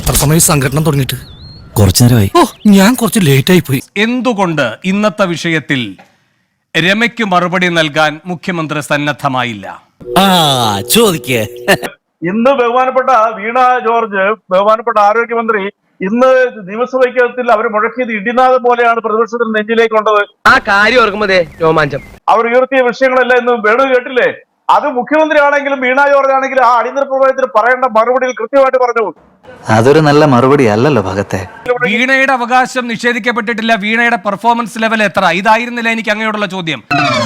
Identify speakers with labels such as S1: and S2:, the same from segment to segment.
S1: എത്ര സമയം സംഘടന തുടങ്ങിയിട്ട്?
S2: കുറച്ചു നേരമായി.
S1: ഓ, ഞാൻ കുറച്ച് ലേറ്റ് ആയി പോയി.
S3: എന്തുകൊണ്ട് ഇന്നത്തെ വിഷയത്തിൽ രമയ്ക്ക് മറുപടി നൽകാൻ മുഖ്യമന്ത്രി സന്നദ്ധമായില്ല?
S2: ചോദിക്കേ.
S4: ഇന്ന് ബഹുമാനപ്പെട്ട വീണ ജോർജ്, ബഹുമാനപ്പെട്ട ആരോഗ്യമന്ത്രി, ഇന്ന് നിയമസഭയ്ക്കകത്തിൽ അവർ മുഴക്കിയത് ഇടിനാഥം പോലെയാണ് പ്രതിപക്ഷത്തിന് നെഞ്ചിലേക്ക് കൊണ്ടത്.
S5: ആ കാര്യം ഓർക്കുമ്പോഴേ രോമാഞ്ചം.
S4: അവർ ഉയർത്തിയ വിഷയങ്ങളെല്ലാം ഇന്ന് വേണു കേട്ടില്ലേ? അത് മുഖ്യമന്ത്രി ആണെങ്കിലും വീണ ജോർജ് ആണെങ്കിലും ആ അടിയന്തര പ്രമേയത്തിന് പറയേണ്ട മറുപടിയിൽ കൃത്യമായിട്ട് പറഞ്ഞു.
S2: അതൊരു നല്ല മറുപടി അല്ലല്ലോ ഭഗത്തെ.
S3: വീണയുടെ അവകാശം നിഷേധിക്കപ്പെട്ടിട്ടില്ല. വീണയുടെ പെർഫോമൻസ് ലെവൽ എത്ര? ഇതായിരുന്നില്ല എനിക്ക് അങ്ങയോടുള്ള ചോദ്യം.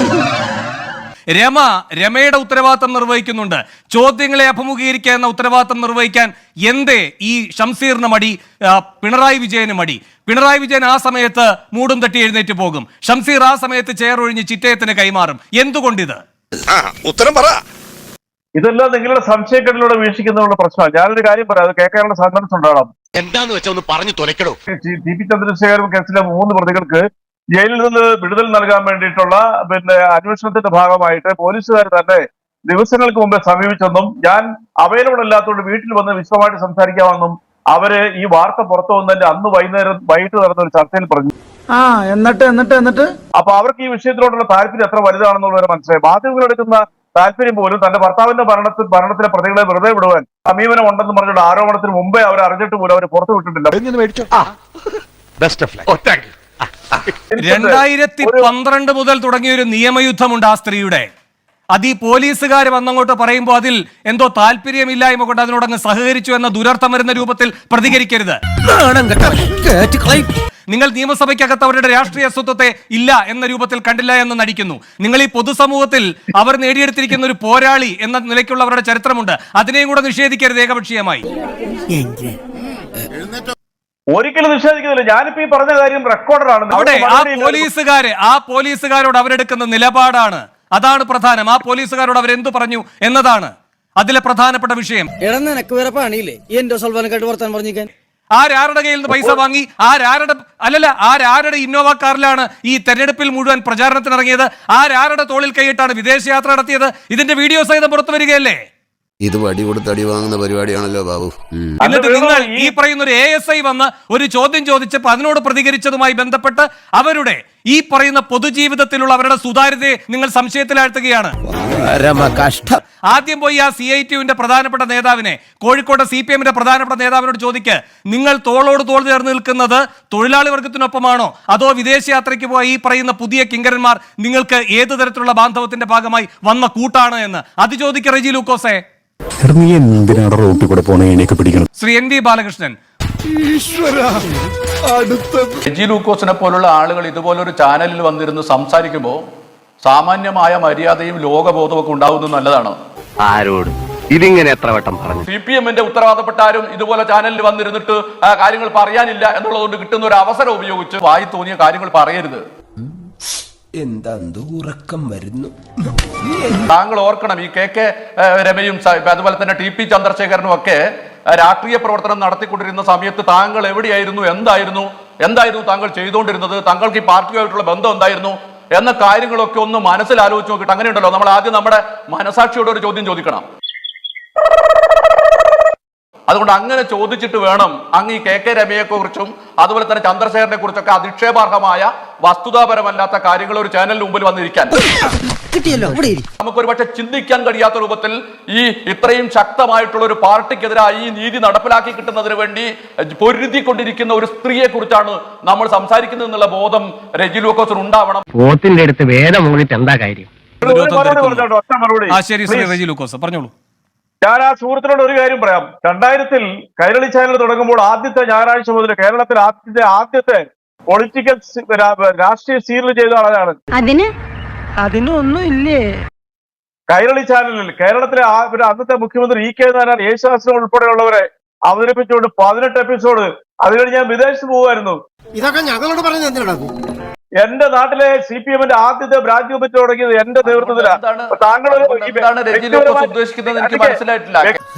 S3: രമയുടെ ഉത്തരവാദിത്തം നിർവഹിക്കുന്നുണ്ട്. ചോദ്യങ്ങളെ അഭിമുഖീകരിക്കുക എന്ന ഉത്തരവാദിത്തം നിർവഹിക്കാൻ എന്തേ ഈ ഷംസീറിന് മടി, പിണറായി വിജയന് മടി? പിണറായി വിജയൻ ആ സമയത്ത് മൂടും തട്ടി എഴുന്നേറ്റ് പോകും. ഷംസീർ ആ സമയത്ത് ചെയർ ഒഴിഞ്ഞ് ചിറ്റയത്തിന് കൈമാറും. എന്തുകൊണ്ടിത്?
S6: ഉത്തരം പറ.
S4: ഇതെല്ലാം നിങ്ങളുടെ സംശയക്കെട്ടിലൂടെ വീക്ഷിക്കുന്നതിനുള്ള പ്രശ്നമാണ്. ഞാനൊരു കാര്യം പറയാം, അത് കേൾക്കാനുള്ള സന്ദർഭം ഉണ്ടാകണം.
S6: എന്താന്ന് വെച്ചാ ഒന്ന് പറഞ്ഞു തുലക്കടോ.
S4: ടി പി ചന്ദ്രശേഖരൻ കേസിലെ 3 പ്രതികൾക്ക് ജയിലിൽ നിന്ന് വിടുതൽ നൽകാൻ വേണ്ടിയിട്ടുള്ള അന്വേഷണത്തിന്റെ ഭാഗമായിട്ട് പോലീസുകാർ തന്നെ ദിവസങ്ങൾക്ക് മുമ്പേ സമീപിച്ചെന്നും ഞാൻ അവൈലബിൾ അല്ലാത്തതുകൊണ്ട് വീട്ടിൽ വന്ന് വിശദമായിട്ട് സംസാരിക്കാമെന്നും അവര് ഈ വാർത്ത പുറത്തു വന്നതിന്റെ അന്ന് വൈകിട്ട് നടന്ന ഒരു ചർച്ചയിൽ പറഞ്ഞു.
S7: എന്നിട്ട്
S4: അപ്പൊ അവർക്ക് ഈ വിഷയത്തിലോട്ടുള്ള താല്പര്യം എത്ര വലുതാണെന്നുള്ളവരെ മനസ്സിലായി. മാധ്യമങ്ങളെടുക്കുന്ന താല്പര്യം പോലും തന്റെ ഭർത്താവിന്റെ ഭരണത്തിലെ പ്രതികളെ വെറുതെ വിടുവാൻ സമീപനം ഉണ്ടെന്ന് പറഞ്ഞുള്ള ആരോപണത്തിന് മുമ്പേ അവർ അറിഞ്ഞിട്ട് പോലും അവർ പുറത്തു വിട്ടിട്ടില്ല.
S3: 2012 മുതൽ തുടങ്ങിയ ഒരു നിയമയുദ്ധമുണ്ട് ആ സ്ത്രീയുടെ. അത് ഈ പോലീസുകാർ വന്നങ്ങോട്ട് പറയുമ്പോൾ അതിൽ എന്തോ താല്പര്യമില്ലായ്മ കൊണ്ട് അതിനോടങ്ങ് സഹകരിച്ചു എന്ന ദുരർത്ഥം വരുന്ന രൂപത്തിൽ പ്രതികരിക്കരുത്. നിങ്ങൾ നിയമസഭയ്ക്കകത്ത് അവരുടെ രാഷ്ട്രീയ സ്വത്വത്തെ ഇല്ല എന്ന രൂപത്തിൽ കണ്ടില്ല എന്ന് നടിക്കുന്നു. നിങ്ങൾ ഈ പൊതുസമൂഹത്തിൽ അവർ നേടിയെടുത്തിരിക്കുന്ന ഒരു പോരാളി എന്ന നിലയ്ക്കുള്ള അവരുടെ ചരിത്രമുണ്ട്. അതിനെയും കൂടെ നിഷേധിക്കരുത് ഏകപക്ഷീയമായി.
S4: ഒരിക്കലും നിഷേധിക്കുന്നില്ല. ഞാനിപ്പോ ഈ പറഞ്ഞ കാര്യം റെക്കോർഡറാണ്.
S3: അവിടെ ആ പോലീസുകാരോട് അവരെടുക്കുന്ന നിലപാടാണ്, അതാണ് പ്രധാനം. ആ പോലീസുകാരോട് അവരെന്തു പറഞ്ഞു എന്നതാണ് അതിലെ പ്രധാനപ്പെട്ട വിഷയം. ആരാരുടെ കയ്യിൽ നിന്ന് പൈസ വാങ്ങി, ആരാരുടെ ഇന്നോവ കാറിലാണ് ഈ തെരഞ്ഞെടുപ്പിൽ മുഴുവൻ പ്രചാരണത്തിനിറങ്ങിയത്, ആരാരുടെ തോളിൽ കൈയിട്ടാണ് വിദേശയാത്ര നടത്തിയത്? ഇതിന്റെ വീഡിയോ സഹിതം പുറത്തു വരികയല്ലേ?
S6: ഇത് വടി കൊടുത്ത് അടി വാങ്ങുന്ന പരിപാടിയാണല്ലോ ബാബു.
S3: എന്നിട്ട് നിങ്ങൾ ഈ പറയുന്ന ഒരു ASI വന്ന് ഒരു ചോദ്യം ചോദിച്ചപ്പോൾ അതിനോട് പ്രതികരിച്ചതുമായി ബന്ധപ്പെട്ട് അവരുടെ ഈ പറയുന്ന പൊതുജീവിതത്തിലുള്ള അവരുടെ സുതാര്യതയെ നിങ്ങൾ സംശയത്തിലാഴ്ത്തുകയാണ്. ആദ്യം പോയി ആ CITUവിന്റെ പ്രധാനപ്പെട്ട നേതാവിനെ, കോഴിക്കോട് CPMന്റെ പ്രധാനപ്പെട്ട നേതാവിനോട് ചോദിക്ക്, നിങ്ങൾ തോളോട് തോൾ ചേർന്ന് നിൽക്കുന്നത് തൊഴിലാളി വർഗത്തിനൊപ്പമാണോ അതോ വിദേശയാത്രയ്ക്ക് പോയ ഈ പറയുന്ന പുതിയ കിങ്കരന്മാർ നിങ്ങൾക്ക് ഏത് തരത്തിലുള്ള ബാന്ധവത്തിന്റെ ഭാഗമായി വന്ന കൂട്ടാണ് എന്ന് അത് ചോദിക്കുക. റെജി ലൂക്കോസെ, ശ്രീ NV ബാലകൃഷ്ണൻ,
S8: റെജി ലൂക്കോസിനെ പോലുള്ള ആളുകൾ ഇതുപോലൊരു ചാനലിൽ വന്നിരുന്ന് സംസാരിക്കുമ്പോൾ സാമാന്യമായ മര്യാദയും ലോകബോധവും ഒക്കെ ഉണ്ടാവുന്നത് നല്ലതാണ്.
S5: ആരോട് ഇതിങ്ങനെ എത്ര വട്ടം പറഞ്ഞു?
S8: CPMന്റെ ഉത്തരവാദപ്പെട്ട ആരും ഇതുപോലെ ചാനലിൽ വന്നിരുന്നിട്ട് കാര്യങ്ങൾ പറയാനില്ല എന്നുള്ളതുകൊണ്ട് കിട്ടുന്ന ഒരു അവസരം ഉപയോഗിച്ച് വായി തോന്നിയ കാര്യങ്ങൾ പറയരുത്.
S7: എന്താ ഉറക്കം വരുന്നു?
S8: താങ്കൾ ഓർക്കണം, ഈ KK രമയും അതുപോലെ തന്നെ TP ചന്ദ്രശേഖരനും ഒക്കെ രാഷ്ട്രീയ പ്രവർത്തനം നടത്തിക്കൊണ്ടിരുന്ന സമയത്ത് താങ്കൾ എവിടെയായിരുന്നു, എന്തായിരുന്നു താങ്കൾ ചെയ്തുകൊണ്ടിരുന്നത്, താങ്കൾക്ക് ഈ പാർട്ടിയുമായിട്ടുള്ള ബന്ധം എന്തായിരുന്നു എന്ന കാര്യങ്ങളൊക്കെ ഒന്ന് മനസ്സിലാലോചിച്ച് നോക്കിയിട്ട് അങ്ങനെയുണ്ടല്ലോ, നമ്മൾ ആദ്യം നമ്മുടെ മനസാക്ഷിയോട് ഒരു ചോദ്യം ചോദിക്കണം. അതുകൊണ്ട് അങ്ങനെ ചോദിച്ചിട്ട് വേണം അങ്ങ് ഈ KK രമയെ കുറിച്ചും അതുപോലെ തന്നെ ചന്ദ്രശേഖരനെ കുറിച്ചൊക്കെ അധിക്ഷേപാർഹമായ വസ്തുതാപരമല്ലാത്ത കാര്യങ്ങൾ ഒരു ചാനലിന് മുമ്പിൽ വന്നിരിക്കാൻ. നമുക്കൊരു പക്ഷെ ചിന്തിക്കാൻ കഴിയാത്ത രൂപത്തിൽ ഈ ഇത്രയും ശക്തമായിട്ടുള്ള ഒരു പാർട്ടിക്കെതിരായി ഈ നീതി നടപ്പിലാക്കി കിട്ടുന്നതിന് വേണ്ടി പൊരുതിക്കൊണ്ടിരിക്കുന്ന ഒരു സ്ത്രീയെ കുറിച്ചാണ് നമ്മൾ സംസാരിക്കുന്നത് എന്നുള്ള ബോധം റെജി ലൂക്കോസിന് ഉണ്ടാവണം.
S5: പോത്തിന്റെ അടുത്ത് വേദം മൂന്നിട്ട് എന്താ കാര്യം?
S3: ശരി ശ്രീ റെജി ലൂക്കോസ് പറഞ്ഞോളൂ.
S4: ഞാൻ ആ സുഹൃത്തിനോട് ഒരു കാര്യം പറയാം. 2000 കൈരളി ചാനൽ തുടങ്ങുമ്പോൾ ആദ്യത്തെ ഞായറാഴ്ച മുതൽ കേരളത്തിൽ ആദ്യത്തെ പൊളിറ്റിക്കൽ രാഷ്ട്രീയ സീരിയൽ ചെയ്ത ആളാണ്.
S7: അതിനൊന്നും ഇല്ലേ?
S4: കൈരളി ചാനലിൽ കേരളത്തിലെ അന്നത്തെ മുഖ്യമന്ത്രി EK നായനാർ, യേശുദാസിനെ ഉൾപ്പെടെയുള്ളവരെ അവതരിപ്പിച്ചുകൊണ്ട് 18 എപ്പിസോഡ്. അത് കഴിഞ്ഞ് ഞാൻ വിദേശത്ത് പോകുമായിരുന്നു.
S7: ഇതൊക്കെ ഞങ്ങളോട് പറഞ്ഞ് എന്തിനാണ്?
S4: എന്റെ നാട്ടിലെ CPMന്റെ ആദ്യത്തെ ബ്രാഞ്ച് കമ്മിറ്റി തുടങ്ങിയത് എന്റെ നേതൃത്വത്തിലാണ്. താങ്കൾ
S8: ഉദ്ദേശിക്കുന്നത് എനിക്ക് മനസ്സിലായിട്ടില്ല.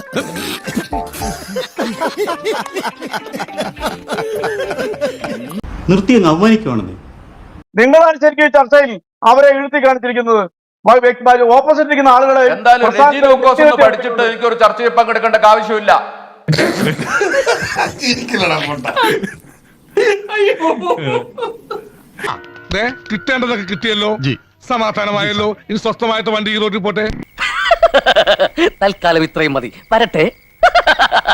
S9: നിർത്തി അങ്ങ് അവമാനിക്കുവാണെന്ന്
S4: നിങ്ങളാണ് ശരിക്കും ഈ ചർച്ചയിൽ അവരെ എഴുതി കാണിച്ചിരിക്കുന്നത്. ഓപ്പോസിറ്റ് ഇരിക്കുന്ന ആളുകളെ
S8: എന്തായാലും റെജി ലൂക്കോസ് ഒന്ന് പഠിച്ചിട്ട് എനിക്കൊരു ചർച്ചയിൽ പങ്കെടുക്കേണ്ട ആവശ്യമില്ല.
S9: കിട്ടേണ്ടതൊക്കെ കിട്ടിയല്ലോ, സമാധാനമായല്ലോ. ഇനി സ്വസ്ഥമായിട്ട് വണ്ടി ഈ റോഡിൽ പോട്ടെ.
S5: തൽക്കാലം ഇത്രയും മതി. വരട്ടെ.